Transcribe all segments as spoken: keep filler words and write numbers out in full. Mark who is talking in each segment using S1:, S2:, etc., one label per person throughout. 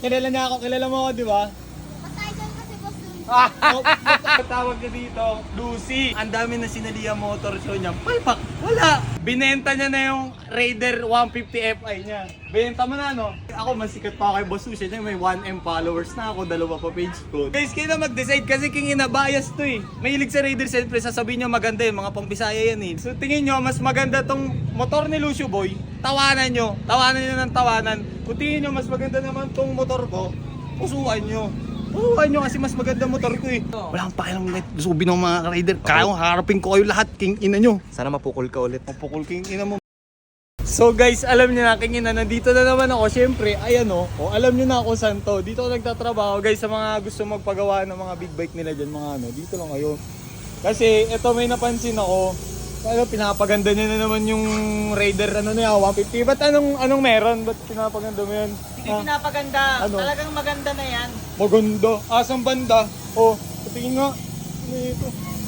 S1: Kilala niya ako, kilala mo ako, di ba?
S2: Patay dyan kasi boss dun.
S1: Ah, tawag niya dito, Lucy. Ang dami na sinalihan motor show niya. Palpak, wala. Binenta niya na yung Raider one fifty F I niya. Binenta mo na, no? Ako, mas sikat pa kay Boss Lucy. May one M followers na ako, dalawa pa page ko. Guys, kayo na mag-decide kasi king ina bias to eh. Mahilig sa Raider, siyempre sasabihin niyo maganda yun, mga pang-Bisaya yan eh. So tingin niyo, mas maganda tong motor ni Lucio Boy. Tawanan niyo, tawanan niyo ng tawanan. Kung tingin niyo, mas maganda naman tong motor ko, pusuan niyo. Oo, nyo kasi mas maganda motor ko eh. Wala kang pakilang subi ng mga rider. Kaya kong harapin ko kayo lahat, king ina nyo.
S3: Sana mapukol ka ulit.
S1: Mapukul king ina mo. So guys, alam nyo na king ina, nandito na naman ako. Siyempre, ayan o, oh, alam nyo na ako saan to. Dito ako nagtatrabaho guys sa mga gusto magpagawa ng mga big bike nila dyan, mga ano. Dito lang kayo. Kasi ito may napansin ako. Ano, pinapaganda niya na naman yung Raider ano na yan, one fifty. Ba't anong, anong meron? Ba't pinapaganda mo yan?
S4: Hindi
S1: Ah,
S4: pinapaganda.
S1: Ano?
S4: Talagang maganda na yan.
S1: maganda. Asang banda? Oh, tingin nga. Ano ito?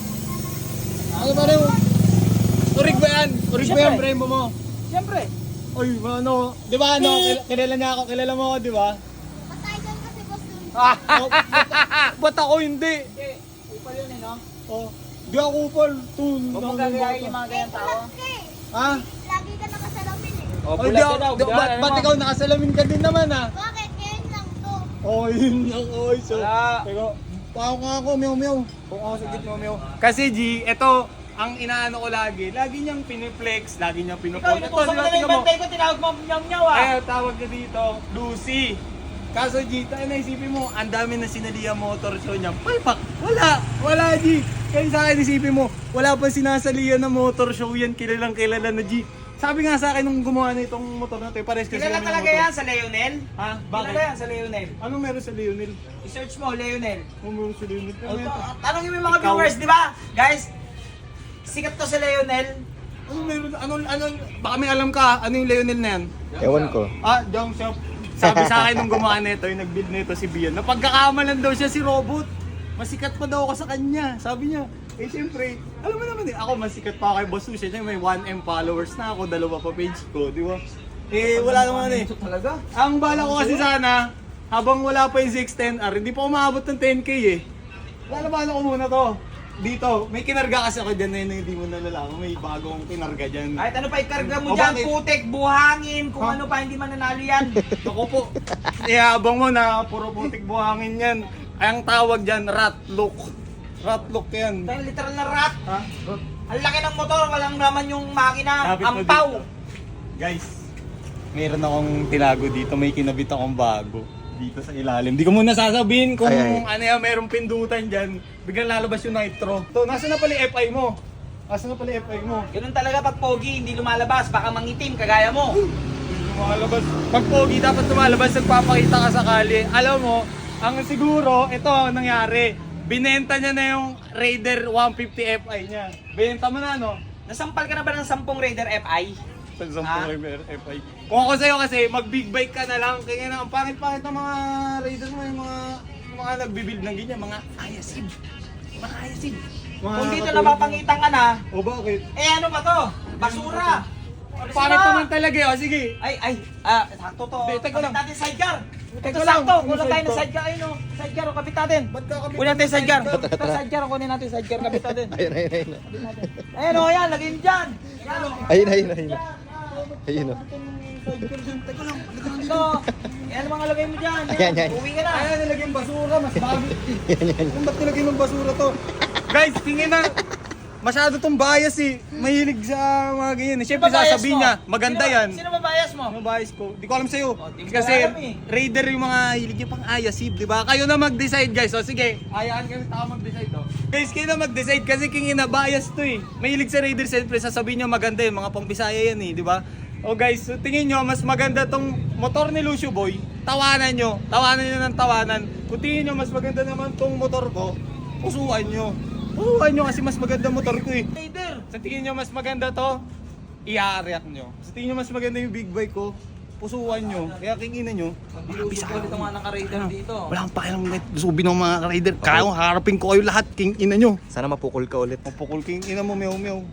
S1: Ano ba rin? Urig ba yan? Urig ba yan,
S4: Siyempre.
S1: Brembo mo?
S4: Siyempre.
S1: Ay, ano? Di ba ano? kil- Kilala niya ako, kilala mo ako, di ba?
S2: Patay dyan kasi boss dun.
S1: Oh, ba't, ba't ako hindi?
S4: Hindi. Upal yun eh, no?
S1: Oh, di ako upal. Tun.
S4: Huwag mong gagayahin yung mga ganyang tao.
S2: Bulat ka eh.
S1: Ha?
S2: Lagi ka nakasalamin eh.
S4: Oh,
S1: Ay, di ako, di, ba't, ba't ikaw nakasalamin ka din naman ah?
S2: Bakit? Ngayon lang to.
S1: Oh, yun lang. Oh, so.
S4: Wala.
S1: Teka, pao nga ako, meow meow. Pao ako sa gitna, meow. Kasi G, ito, ang inaano ko lagi, lagi niyang piniflex, lagi niyang
S4: Ikaw,
S1: pinupol.
S4: inutusan mo na
S1: tingnan
S4: yung bantay ko, tinawag mo nyam-nyaw ah.
S1: Ay, tawag niya dito, Lucy. Kaso G, tayo naisipin mo, ang dami na sinalihan motor show niya. Palpak, wala, wala G. Kaya sa akin isipin mo, wala pa sinasalihan na motor show yan, kilalang kilala na G. Sabi nga sa akin nung gumawa na itong motor na ito, pares kasi
S4: Kilala
S1: kami ng
S4: talaga
S1: motor.
S4: yan sa Leonel.
S1: Ha?
S4: Kilala
S1: Bakit?
S4: yan sa Leonel.
S1: Anong meron sa Leonel?
S4: I-search mo, Leonel.
S1: Anong meron sa Leonel? Ano
S4: O,
S1: meron?
S4: to- Tanongin mo yung mga
S1: Ikaw.
S4: viewers, di ba? Guys, sikat to sa Leonel.
S1: Anong meron? Anong, anong, baka may alam ka, ano yung Leonel na yan?
S3: Ewan ko.
S1: Ah, junk shop. Sabi sa akin nung gumawa nito, yung nag-build nito si Bian, napagkakamalan daw siya si Robot. Masikat pa daw ako sa kanya. Sabi niya, eh siyempre, alam mo naman eh, ako masikat pa kay Boss Lucy. May one M followers na ako, dalawa pa page ko, di ba? Eh, wala naman eh.
S4: Talaga?
S1: Ang bala ko kasi sana, habang wala pa yung Z X ten R, hindi pa umabot ng ten K eh. Wala bala ko muna to. Dito, may kinarga kasi ako dyan na yun na hindi mo nalalaman. May bagong kinarga dyan.
S4: Kahit ano pa ikarga
S1: O,
S4: mo dyan,
S1: bakit?
S4: putik, buhangin, kung
S1: Ha?
S4: ano pa, hindi man nanalo yan.
S1: Ako po, ihabang mo na puro putik buhangin yan. Ang tawag dyan, rat look. Rat look yan.
S4: Dahil literal na rat.
S1: Ha?
S4: Ang laki ng motor, walang naman yung makina,
S1: Lapit mo
S4: ampaw.
S1: dito. Guys, meron akong tinago dito. May kinabit akong bago dito sa ilalim. Di ko muna sasabihin kung
S3: Ay, ay.
S1: ano yan, merong pindutan dyan. Biglang lalabas yung nitro. To, nasa na pala yung F I mo? Nasa na pala yung F I mo?
S4: Ganun talaga pag pogi, hindi lumalabas, baka mangitim, kagaya mo.
S1: Lumalabas. Pag pogi, dapat lumalabas, nagpapakita ka sakali. Alam mo, ang siguro, ito ang nangyari. Binenta niya na yung Raider one fifty F I niya. Binenta mo na, no?
S4: Nasampal ka na ba ng sampung Raider F I?
S1: Sa
S4: Ah?
S1: Raider F I. Kung ako sa'yo kasi, mag-big bike ka na lang. Kaya na, ang pangit-pangit ng mga Raiders mo, yung mga, yung mga nagbibuild ng ganyan, mga ayasid.
S4: Mga ayasin.
S1: Mga
S4: Kung dito
S1: katulad
S4: napapangitan ka na,
S1: ng- O bakit?
S4: eh ano ba to? Basura.
S1: Pangit naman talaga eh. O sige.
S4: Ay, ay, ah, sakto to.
S1: Hindi, teka lang.
S4: Kapit natin sidecar.
S1: Teka
S4: Ito
S1: lang,
S4: sakto,
S1: ano
S4: kulang tayo ng
S1: sidecar?
S4: sidecar. Ayun o, sidecar o, kapit natin.
S1: Ba't ka kami?
S4: Kunin natin yung sidecar. Ito sidecar o, kunin natin yung sidecar, kapit natin.
S3: Ayun, ayun, ayun.
S4: Ayun o, yan, lagyan dyan. Yan o.
S3: Ayun, ayun, ayun. Ayun o.
S1: Teka lang.
S4: Ito, yan ang mga lagay mo dyan.
S3: Ayan, yan.
S4: Uwi ka na.
S1: Ayan, nilagyan basura. Mas bago. Kung ba't nilagyan ng basura to? Guys, tingin na. Masyado tong bias eh. Mahilig sa mga ganyan eh. Siyempre
S4: Sino ba bias
S1: sasabihin
S4: mo?
S1: niya, maganda
S4: Sino-
S1: yan.
S4: Sino ba bias mo?
S1: Ano bias ko? Di ko alam sa'yo.
S4: Oh, di ko
S1: Kasi
S4: alam eh.
S1: Raider yung mga hilig yung pang ayasib, di ba? Kayo na mag-decide guys. O sige, hayaan kami tao mag-decide oh. Guys, kayo na mag-decide kasi king ina bias to eh. Mahilig sa Raider, siyempre sasabihin niya maganda yung mga pang-Bisaya yan eh, di ba? O guys, so tingin nyo, mas maganda tong motor ni Lucio Boy. Tawanan nyo. Tawanan nyo ng tawanan. Kung tingin nyo, mas maganda naman tong motor ko, pusuan nyo. Pusuan nyo kasi mas maganda motor ko eh.
S4: Raider.
S1: Sa tingin nyo mas maganda to, i-react nyo. Sa tingin nyo mas maganda yung big bike ko, pusuan nyo. Kaya kingin nyo.
S4: Bisaya ulit ang mga naka-Raider dito.
S1: Wala kang pakilang subi ng mga rider. Kaya kong harapin ko kayo lahat, king ina nyo.
S3: Sana mapukol ka ulit.
S1: Mapukul king ina mo, meow meow.